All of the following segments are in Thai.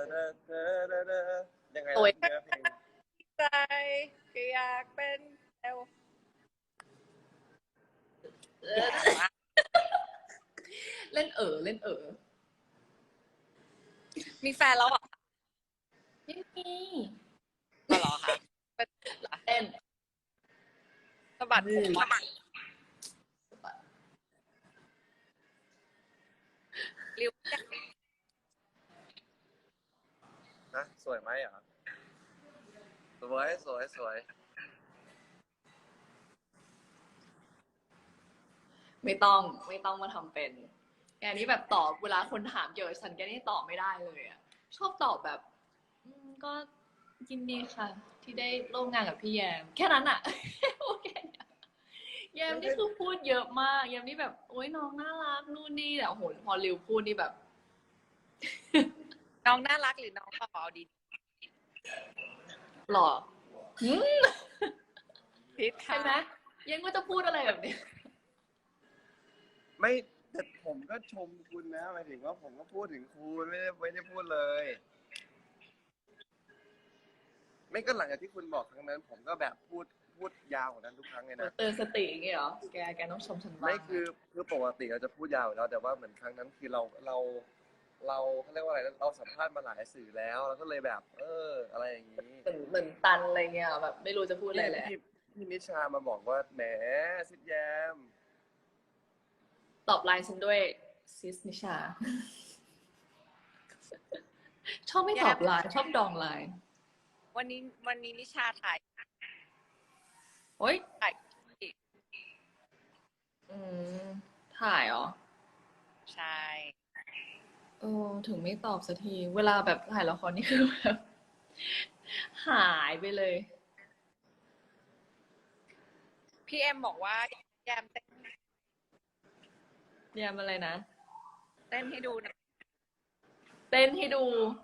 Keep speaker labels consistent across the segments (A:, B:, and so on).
A: ยังไง
B: โอ้ย
A: นะเนื้อเพลง
B: ใจก็อยากเป็นเอล
C: เล่นเล่น
B: มีแฟนแล้วเหรอ
C: ไม่มี
B: อ๋อเหรอคะเป็นเหรอ
C: เล่น
B: สะบัดผมว่ะริว
A: นะสวยไหมเหรอสวยสวยสวย
C: ไม่ต้องมาทำเป็นแกนี่แบบตอบเวลาคนถามเกี่ยวกับฉันแกนี่ตอบไม่ได้เลยอ่ะชอบตอบแบบก็ยินดีค่ะ ที่ได้ร่วมงานกับพี่แยมแค่นั้นอ่ะ โอเคแยมนี่คือพูดเยอะมากแยมนี่แบบโอ๊ยน้องน่ารักนู่นนี่แต่โอ้โหพอริวพูดนี่แบบ
B: น้องน่ารักหรือน้องหล่อเอาดี
C: หล่อ
B: พิษค่ะ
C: ใช่ไหมยังก็จะพูดอะไรแบบนี้
A: ไม่แต่ผมก็ชมคุณนะหมายถึงว่าผมก็พูดถึงคุณไม่ได้พูดเลย ไม่ก็หลังจากที่คุณบอกครั้งนั้น ผมก็แบบพูดยาวกว่านั้นทุกครั้งเลยนะ
C: เตือนสติอย่างเงี้ยเหรอแกต้องชมฉันบ้าง
A: ไม่คือปกติเราจะพูดยาวอยู่แล้วแต่ว่าเหมือนครั้งนั้นคือเราเขาเรียกว่าอะไรนะเราสัมภาษณ์มาหลายสื่อแล้วเราก็เลยแบบ อะไรอย่างนี้
C: เหมือนตันอะไรเงี้ยแบบไม่รู้จะพูดอะไรแหละ
A: พี่นิชามาบอกว่าแหมซิดแยม
C: ตอบไลน์ฉันด้วยซิสนิชา ชอบไม่ตอบไลน์ชอบดองไลน์
B: วันนี้นิชาถ่าย
C: โอ๊ย
B: ถ่าย
C: อืมถ่ายเหรอ
B: ใช่
C: ถึงไม่ตอบสักที เวลาแบบถ่ายละครนี่คือแบบ หายไปเลย
B: พี่เอ็มบอกว่าแยมเต้น
C: เรียนอะไรนะ
B: ให้ดูนะ
C: เต้นให้ดู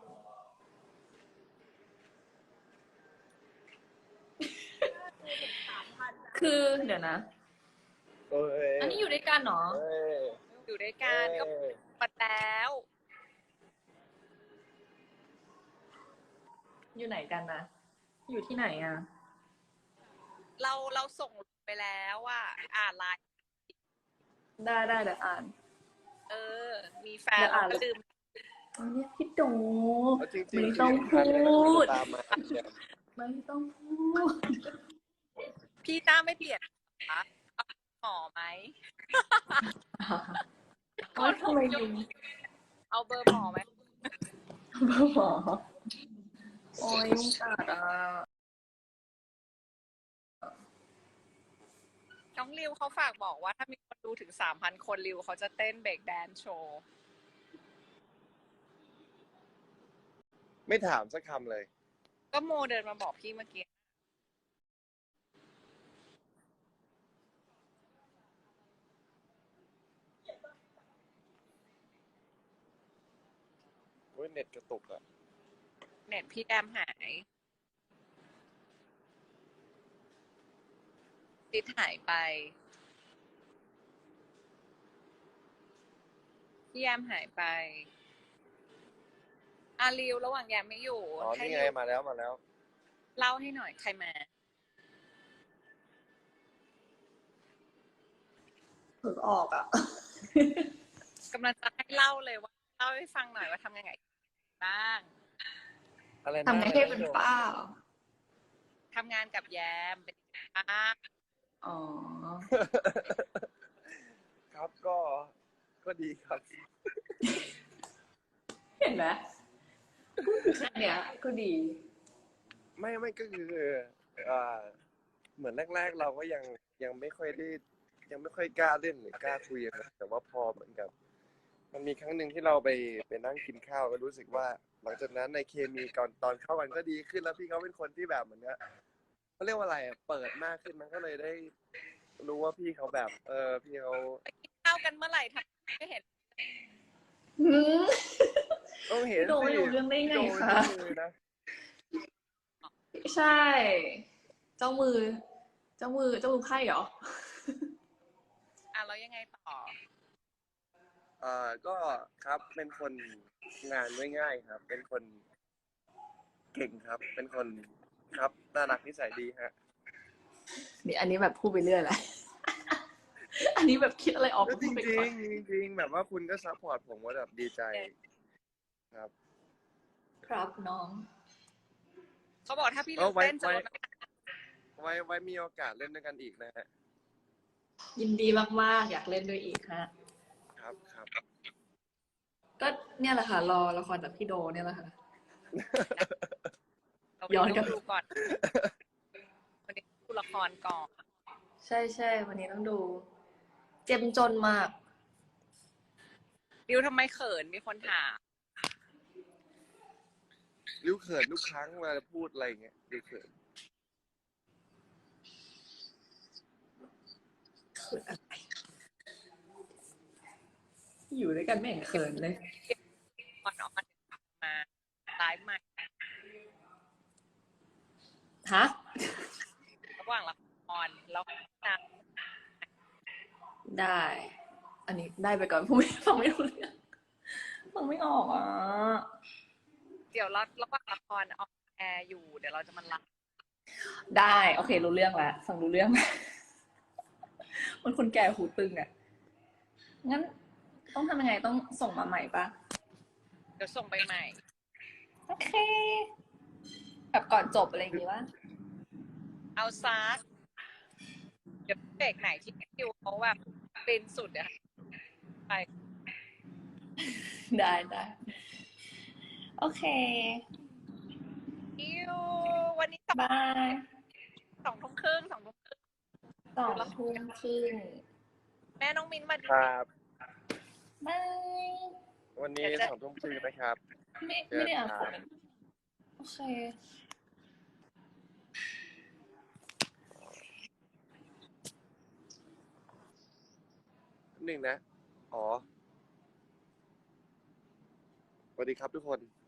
C: คือเดี๋ยวนะ อันนี้อยู่ด้วยกันเหรอ
B: อยู่ด้วยกันก็ปัดแล้ว
C: อยู่ไหนกันนะ อยู่ที่ไหนอ่ะ
B: เราส่งไปแล้วว่าอ่านไลน์
C: ได้เดี๋ยวอ่าน
B: มีแฟนเราก็ลืม
C: อันนี้พี่โด
A: จริงๆ
C: ไม่ต้องพูด
A: ตามมา
C: ไม่ต้องพูด
B: พี่ต้าไม่เปลี่ยนคะเอาหมอไหม
C: โอ๊ยทำไมยุง
B: เอาเบอร์หมอไหม
C: หมอโอ้ยยุงกัดอ่ะ
B: น้องริวเขาฝากบอกว่าถ้ามีคนดูถึง 3,000 คนริวเขาจะเต้นเบรกแดนซ์โชว์
A: ไม่ถามสักคำเลย
B: ก็โมเดินมาบอกพี่เมื่อกี้
A: เน็ตกระตุกอ่ะ
B: เน็ตพี่แอมหายติดหายไปพี่แอมหายไปอาริวระหว่างแยมไม่อยู่
A: อ๋อ
B: ให้
A: นี่ไง
B: ริว
A: มาแล้ว
B: เล่าให้หน่อยใครมา
C: เพิ่งออกอ่ะ
B: กำลังจะให้เล่าเลยว่าเล่าให้ฟังหน่อยว่าทำยังไงบ้าง
A: อะไรนะ
C: ทำไงให้เป็นป้าเหรอ
B: ทำงานกับแยมเป็นยังไงบ้าง
C: อ๋อ
A: ครับก็ดีครับ
C: เห็นไหมเนี่ยก็ดี
A: ไม่ก็คือเหมือนแรกๆเราก็ยังไม่ค่อยได้ยังไม่ค่อยกล้าเล่นหรือกล้าคุยกันนะแต่ว่าพอเหมือนกับมันมีครั้งหนึ่งที่เราไปนั่งกินข้าวก็รู้สึกว่าหลังจากนั้นในเคมีก่อนตอนเข้ากันก็ดีขึ้นแล้วพี่เขาเป็นคนที่แบบเหมือนกับเขาเรียกว่าอะไรเปิดมากขึ้นมันก็เลยได้รู้ว่าพี่เขาแบบพี่เขา
B: เข้ากันเมื่อไหร่ทำไม่เห็น
A: ต้องเห็น
C: โดนอยู่เรื่องได้ไงคะ
A: โดนนะ
C: ใช่ เจ้ามือไพ่เหรอ
B: แล้วยังไงต่อ
A: ก็ครับเป็นคนงานง่ายๆครับ เป็นคนเก่งครับ เป็นคนครับน่ารักนิสัยดีฮะ
C: นี่อันนี้แบบพูดไปเรื่อยแหละ อันนี้แบบคิดอะไรออก
A: ก็
C: ก็
A: จ
C: พูดไป
A: ริ
C: ก่
A: ง
C: อน
A: ๆจริงๆแบบว่าคุณก็ซัพพอร์ตผมว่าแบบดีใจครับ
C: ครับน้อง
B: เขาบอกถ้าพี่
A: ก็
B: ลิว
A: ไว้
B: เต้นจะลดน้ำหนัก
A: ไว้มีโอกาสเล่นด้วยกันอีกนะฮะ
C: ยินดีมากๆ อยากเล่นด้วยอีกฮะ
A: ครับครับ
C: ก็เนี่ยแหละค่ะรอละครจากพี่โดเนี่ยแหละค่ะ
B: เรา
C: ย้อนกลั
B: ต้
C: บ
B: องดูก่อนวันนี้ดูละครก่อน
C: ใช่ใช่วันนี้ต้องดู เจ็มจนมาก
B: ดิวทำไมเขินมีคนถาม
A: ริ้วเขินทุกครั้งเวลาพูดอะไรอย่างเงี้ยริ้วเขิน
C: อยู่ด้วยกันไม่เห็นเขินเลย
B: ก่อนออนมาไลฟ์ใหม่
C: ฮะ
B: ระหว่างละครแล้วนะ
C: ได้ อันนี้ได้ไปก่อนพูดไม่ฟังไม่รู้เรื่องฟังไม่ออกอ่ะ
B: เดี๋ยวเราระหว่างละครออนแอร์อยู่เดี๋ยวเราจะมาไลฟ์
C: ได้ โอเค รู้เรื่องแล้วฟังรู้เรื่อง มันคนแก่หูตึงอ่ะ งั้นต้องทำยังไงต้องส่งมาใหม่ปะ
B: เดี๋ยวส่งไปใหม่
C: โอเค แบบก่อนจบอะไรอย่างงี้วะ
B: เอาซักเดี๋ยวเบรกไหนที่ดิวเขาแบบเป็นสุดอะไป
C: ได้ได้ โอเค
B: ดิววันนี้
C: บาย
B: 2 ทุ่มครึ่ง2 ทุ่มครึ่ง
C: 2 ทุ่มครึ่ง
B: แม่น้องมิ้นมาดู
A: ครับ
C: บาย
A: วันนี้2 ทุ่มครึ่งนะครับ
C: ไม่ได้อ่านคอมเมนต์โอเค
A: 1 นะ อ๋อ สวัสดีครับทุกคน